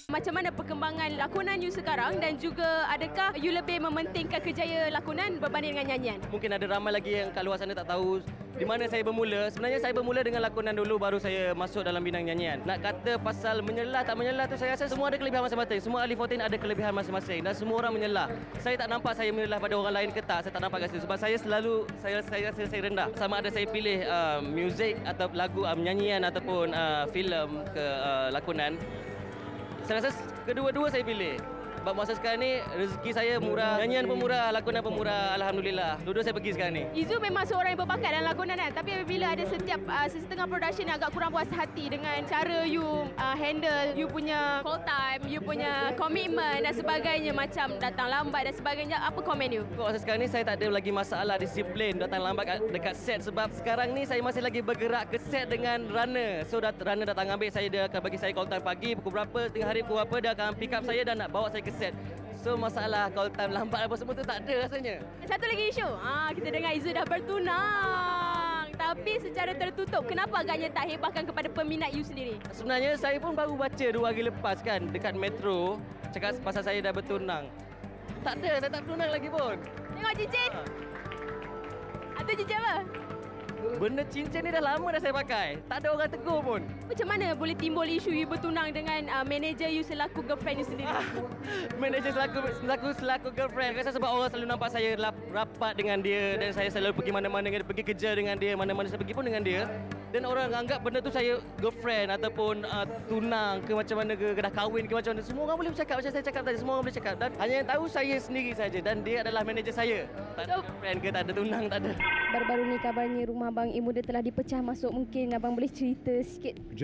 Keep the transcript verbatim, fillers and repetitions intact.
Macam mana perkembangan lakonan you sekarang dan juga adakah you lebih mementingkan kejayaan lakonan berbanding dengan nyanyian? Mungkin ada ramai lagi yang kat luar sana tak tahu di mana saya bermula. Sebenarnya saya bermula dengan lakonan dulu, baru saya masuk dalam bidang nyanyian. Nak kata pasal menyelah tak menyelah tu, saya rasa semua ada kelebihan masing-masing. Semua ahli fourteen ada kelebihan masing-masing dan semua orang menyelah. Saya tak nampak saya menyelah pada orang lain ke tak. Saya tak nampak kat situ sebab saya selalu saya saya rasa saya rendah. Sama ada saya pilih uh, muzik atau lagu uh, nyanyian ataupun uh, filem ke uh, lakonan. Saya rasa kedua-dua saya pilih. Sebab masa sekarang ni rezeki saya murah, nyanyian pun murah, lakonan pun murah, alhamdulillah. Dua-dua saya pergi sekarang ni. Izu memang seorang yang berbakat dalam lakonan kan, tapi apabila ada setiap uh, setengah production yang agak kurang puas hati dengan cara you uh, handle you punya call time, you punya komitmen dan sebagainya, macam datang lambat dan sebagainya, apa komen you? Masa sekarang ni saya tak ada lagi masalah disiplin datang lambat dekat set sebab sekarang ni saya masih lagi bergerak ke set dengan runner. So dat runner datang ambil saya, dia akan bagi saya call time pagi pukul berapa, tengah hari pukul berapa, dia akan pick up saya dan nak bawa saya ke set. So masalah call time lambat apa semua tu tak ada rasanya. Satu lagi isu, ah, kita dengar Izu dah bertunang tapi secara tertutup. Kenapa agaknya tak hebahkan kepada peminat you sendiri? Sebenarnya saya pun baru baca dua hari lepas kan dekat Metro cakap pasal saya dah bertunang. Tak ada, saya tak bertunang lagi pun. Tengok cincin. Atau cincin apa? Benda cincin ni dah lama dah saya pakai. Tak ada orang tegur pun. Macam mana boleh timbul isu you bertunang dengan uh, manager you selaku girlfriend you sendiri? Manager selaku selaku selaku girlfriend. Rasa sebab orang selalu nampak saya lap, rapat dengan dia dan saya selalu pergi mana-mana dengan dia, pergi kerja dengan dia, mana-mana saya pergi pun dengan dia. Dan orang anggap benda tu saya girlfriend ataupun uh, tunang ke macam mana ke, dah kahwin ke macam mana. Semua orang boleh bercakap macam saya cakap tadi. Semua orang boleh cakap dan hanya yang tahu saya sendiri saja dan dia adalah manager saya. Tak ada girlfriend ke, tak ada tunang, tak ada. Baru-baru ni kabarnya rumah Abang Imuda telah dipecah masuk. Mungkin abang boleh cerita sikit?